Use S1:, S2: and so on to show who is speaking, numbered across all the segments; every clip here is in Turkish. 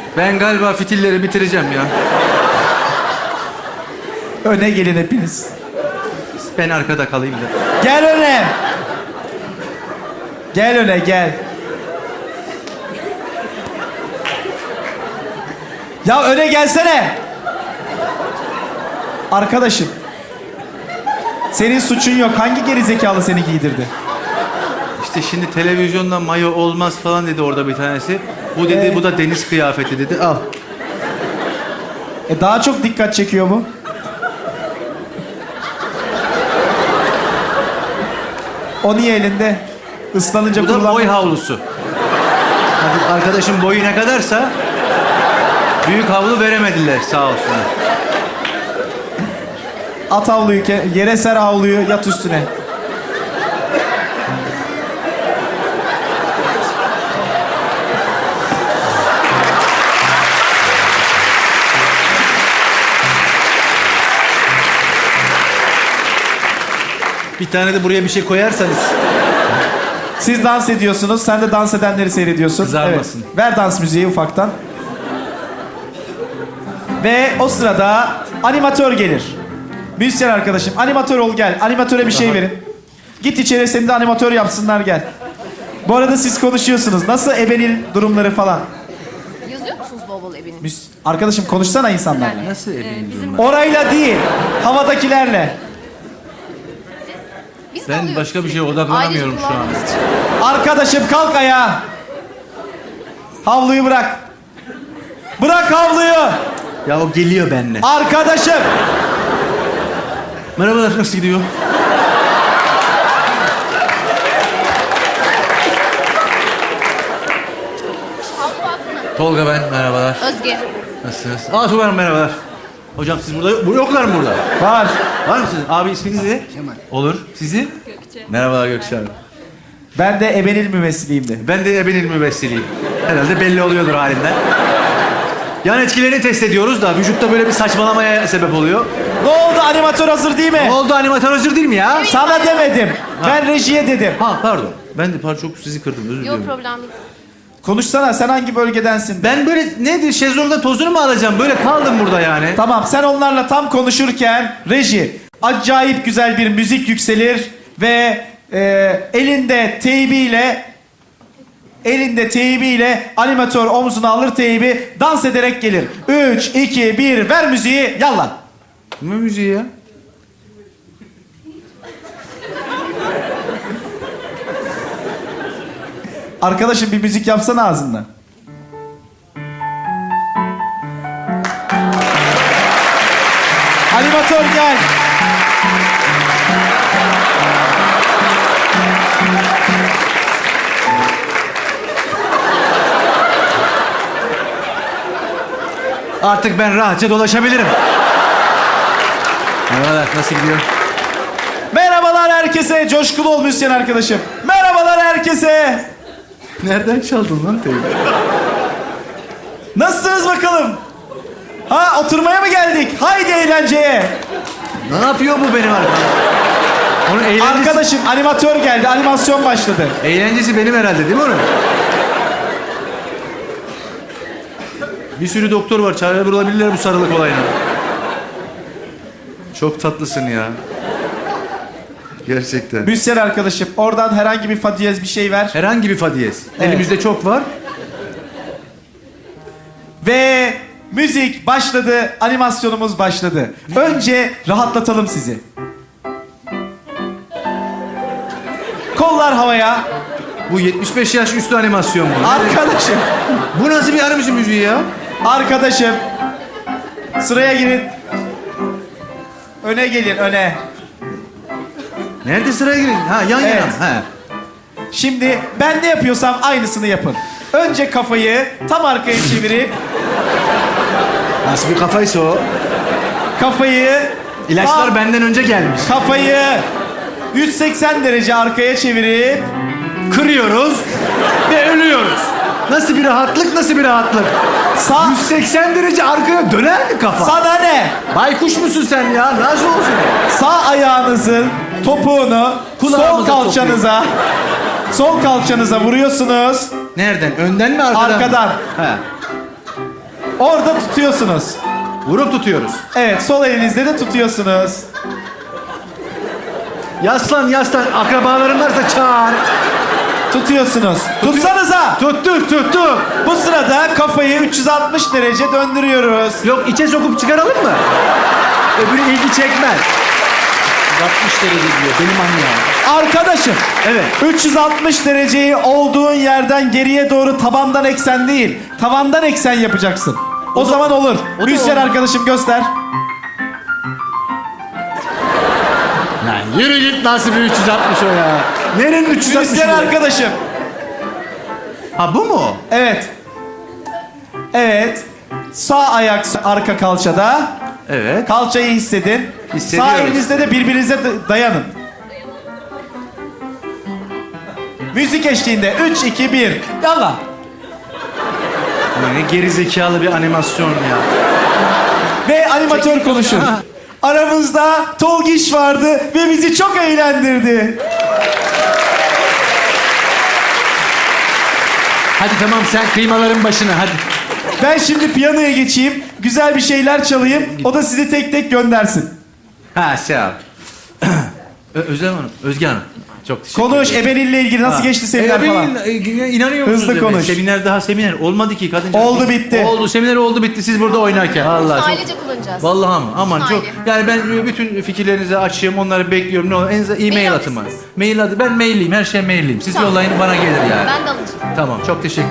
S1: Ben galiba fitilleri bitireceğim ya.
S2: Öne gelin hepiniz.
S1: Ben arkada kalayım da.
S2: Gel öne. Gel öne gel. Ya öne gelsene. Arkadaşım. Senin suçun yok. Hangi gerizekalı seni giydirdi?
S1: İşte şimdi televizyonda mayo olmaz falan dedi orada bir tanesi. Bu dedi, bu da deniz kıyafeti dedi. Al.
S2: Daha çok dikkat çekiyor bu. O niye elinde? Islanınca
S1: Bu da
S2: kullan.
S1: boy havlusu. Hadi arkadaşım boyu ne kadarsa büyük havlu veremediler sağ olsunlar.
S2: At havluyu, yere ser havluyu, yat üstüne.
S1: Bir tane de buraya bir şey koyarsanız.
S2: Siz dans ediyorsunuz, sen de dans edenleri seyrediyorsun.
S1: Kızarmasın.
S2: Evet. Ver dans müziği ufaktan. Ve o sırada animatör gelir. Müzisyen arkadaşım, animatör ol gel. Animatöre bir şey verin. Git içeri, seni de animatör yapsınlar gel. Bu arada siz konuşuyorsunuz. Nasıl ebenil durumları falan?
S3: Yazıyor musunuz bol bol ebenin?
S2: Arkadaşım konuşsana insanlarla.
S1: Nasıl evleniyorum
S2: Orayla değil, havadakilerle.
S3: Biz de
S1: ben
S3: alıyoruz
S1: başka bir şeye
S3: sürekli.
S1: odaklanamıyorum
S3: Ailece
S1: şu an.
S3: kullandığımız için.
S2: Arkadaşım kalk ayağa. Havluyu bırak. Bırak havluyu.
S1: Ya o geliyor benimle.
S2: Arkadaşım.
S1: Merhabalar, nasıl gidiyor?
S3: Havlu baskını.
S1: Tolga ben, merhabalar.
S3: Özge.
S1: Nasılsınız? Tuğba Hanım, merhabalar. Hocam siz burada yoklar mı burada?
S2: Var.
S1: Var mısınız? Abi isminiz ne? Kemal. Olur. Sizi? Gökçe. Merhabalar Gökçe Hanım.
S2: Ben de ebenil mümessiliyimdi.
S1: Ben de ebenil müvessiliyim. Herhalde belli oluyordur halinden. Yan etkilerini test ediyoruz da vücutta böyle bir saçmalamaya sebep oluyor.
S2: Ne oldu, animatör hazır değil mi?
S1: Ne oldu, animatör hazır değil mi ya?
S2: Sana demedim. Ben rejiye dedim.
S1: Ha pardon. Ben de çok sizi kırdım, özür
S3: Yok
S1: diliyorum.
S3: problem değil.
S2: Konuşsana, sen hangi bölgedensin?
S1: Ben böyle nedir, şezlongda tozunu mu alacağım? Böyle kaldım burada yani.
S2: Tamam, sen onlarla tam konuşurken reji acayip güzel bir müzik yükselir ve elinde teybiyle animatör omzuna alır teybi, dans ederek gelir. 3, 2, 1, ver müziği, yallah.
S1: Ne müziği ya?
S2: Arkadaşım bir müzik yapsana ağzından. Animatör gel.
S1: Artık ben rahatça dolaşabilirim. Merhabalar, nasıl gidiyor?
S2: Merhabalar herkese. Coşkulu ol müzisyen arkadaşım. Merhabalar herkese.
S1: Nereden çaldın lan teybi?
S2: Nasılsınız bakalım? Ha, oturmaya mı geldik? Haydi eğlenceye.
S1: Ne yapıyor bu benim arkadaşım? Onun eğlencesi...
S2: Arkadaşım animatör geldi. Animasyon başladı.
S1: Eğlencesi benim herhalde değil mi onun? Bir sürü doktor var. Çare bulabilirler bu sarılık olayına. Çok tatlısın ya. Gerçekten.
S2: Müzisyen arkadaşım oradan herhangi bir fa diyez bir şey ver.
S1: Herhangi bir fa diyez.
S2: Evet.
S1: Elimizde çok var.
S2: Ve müzik başladı. Animasyonumuz başladı. Önce rahatlatalım sizi. Kollar havaya.
S1: Bu 75 yaş üstü animasyon bu.
S2: Arkadaşım.
S1: Bu nasıl bir animasyon müziği ya?
S2: Arkadaşım. Sıraya girin. Öne gelin, öne.
S1: Nerede sıraya girin? Ha yan
S2: Evet.
S1: yana. Ha.
S2: Şimdi ben ne yapıyorsam aynısını yapın. Önce kafayı tam arkaya çevirip
S1: Nasıl bir kafaysa o?
S2: kafayı
S1: İlaçlar
S2: tam-
S1: benden önce gelmiş.
S2: kafayı 180 derece arkaya çevirip
S1: Kırıyoruz ve ölüyoruz. Nasıl bir rahatlık, nasıl bir rahatlık?
S2: sağ
S1: 180 derece arkaya döner mi kafa?
S2: sana ne?
S1: Baykuş musun sen ya? Nasıl olsun?
S2: Sağ ayağınızın topuğunu
S1: Kulağımıza
S2: sol kalçanıza vuruyorsunuz.
S1: Nereden? Önden mi arkadan mı?
S2: Arkadan.
S1: Ha.
S2: Orada tutuyorsunuz.
S1: Vurup tutuyoruz.
S2: Evet, sol elinizde de tutuyorsunuz.
S1: Yaslan. Akrabaların varsa çağır.
S2: Tutuyorsunuz. Tutsanıza.
S1: Tuttuk.
S2: Bu sırada kafayı 360 derece döndürüyoruz.
S1: Yok içe sokup çıkaralım mı? Öbürü ilgi çekmez. 60 derece diyor. Benim annem.
S2: Arkadaşım.
S1: Evet.
S2: 360 dereceyi olduğun yerden geriye doğru tabandan eksen değil, tavandan eksen yapacaksın. O zaman olur.
S1: o da
S2: Müzisyen
S1: olur.
S2: arkadaşım göster.
S1: Lan yürü git, nasıl bir 360 o ya? Nerenin 360
S2: Müzisyen
S1: bu?
S2: arkadaşım.
S1: Ha bu mu?
S2: Evet. Evet. Sağ ayak arka kalçada.
S1: Evet.
S2: Kalçayı hissedin.
S1: Hissediyoruz.
S2: Sağ elinizde de birbirinize dayanın. Müzik eşliğinde 3, 2, 1. Yallah.
S1: Ne geri zekalı bir animasyon ya.
S2: Ve animatör konuşur. Aramızda Tolgiş vardı ve bizi çok eğlendirdi.
S1: Hadi tamam, sen kıymaların başına hadi.
S2: Ben şimdi piyanoya geçeyim, güzel bir şeyler çalayım, o da sizi tek tek göndersin.
S1: Ha sağ ol. Özlem Hanım, Özge Hanım. Çok teşekkür
S2: Konuş,
S1: ederim.
S2: Ebenil'le ilgili nasıl geçti seminer falan?
S1: İnanıyor musunuz?
S2: Hızlı
S1: Ebe?
S2: konuş.
S1: Seminer olmadı ki kadın.
S2: Oldu, bitti.
S1: Oldu, seminer oldu bitti siz burada oynarken. Allah çok.
S3: Ailece kullanacağız.
S1: Vallahi mı? Aman çok.
S3: Aile.
S1: Yani ben bütün fikirlerinizi açayım, onları bekliyorum. Ne olur en azından e-mail
S3: Mail
S1: atın bana.
S3: alırsınız.
S1: Mail adı. Ben mailliyim, her şey mailliyim. Siz
S3: Tamam.
S1: yollayın, bana gelir yani.
S3: Ben de alacağım.
S1: Tamam, çok teşekkür.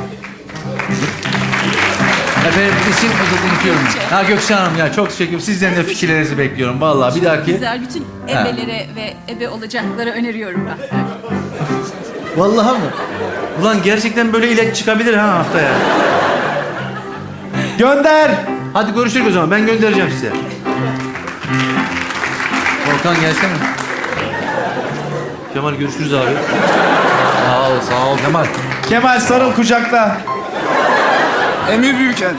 S1: Efendim isim unutuyorum. Ha Gökçe Hanım ya, çok teşekkür ederim. Sizden de fikirlerinizi bekliyorum. Vallahi bir dahaki.
S4: Güzel. Bütün ebelere ve ebe olacaklara öneriyorum ben.
S1: Vallahi mı? Ulan gerçekten böyle ilet çıkabilir ha haftaya.
S2: Gönder.
S1: Hadi görüşürüz o zaman. Ben göndereceğim size. Volkan gelsene. Kemal görüşürüz abi. Sağ ol Kemal.
S2: Kemal sarıl kucakla.
S5: Emir Büyüker'den.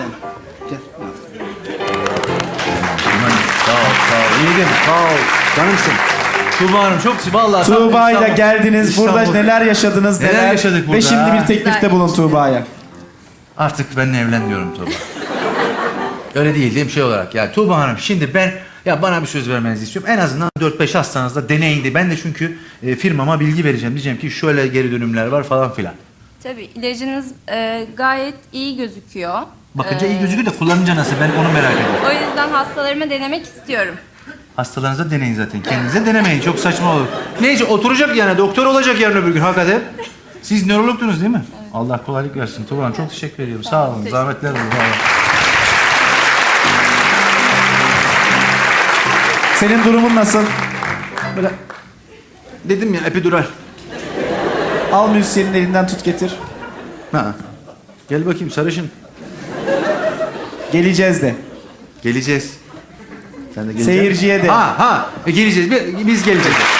S1: Kemal sağ ol. İyi sağ ol. Canımsın. Tuğba Hanım çok vallahi.
S2: Tuğba ile
S1: İstanbul-
S2: geldiniz, burada
S1: İstanbul.
S2: neler yaşadınız,
S1: Neler yaşadık burada,
S2: Ve şimdi
S1: ha?
S2: bir teklifte bulun Tuğba'ya.
S1: Artık benimle evlen diyorum Tuğba. Öyle değil mi şey olarak ya Tuğba Hanım, şimdi ben bana bir söz vermenizi istiyorum. En azından 4-5 hastanızda deneyin. Ben de çünkü firmama bilgi vereceğim. Diyeceğim ki şöyle geri dönümler var falan filan.
S4: Tabii ilacınız gayet iyi gözüküyor.
S1: Bakınca iyi gözüküyor da kullanınca nasıl, ben onu merak ediyorum.
S4: O yüzden hastalarıma denemek istiyorum.
S1: Hastalarınıza deneyin zaten. Kendinize denemeyin. Çok saçma olur. Neyse oturacak yani. Doktor olacak yarın öbür gün hakikaten. Siz nörologdunuz değil mi? Allah kolaylık versin. Tuğba Hanım çok teşekkür ediyorum. Sağ olun.
S4: Teşekkür
S1: Zahmetler oldu. Vallahi.
S2: Senin durumun nasıl?
S1: Böyle dedim ya, epidural.
S2: Al müzisyenin elinden tut getir.
S1: Ha. Gel bakayım sarışın.
S2: Geleceğiz de.
S1: Geleceğiz. Sen de geleceksin.
S2: Seyirciye de.
S1: Geleceğiz. Biz geleceğiz.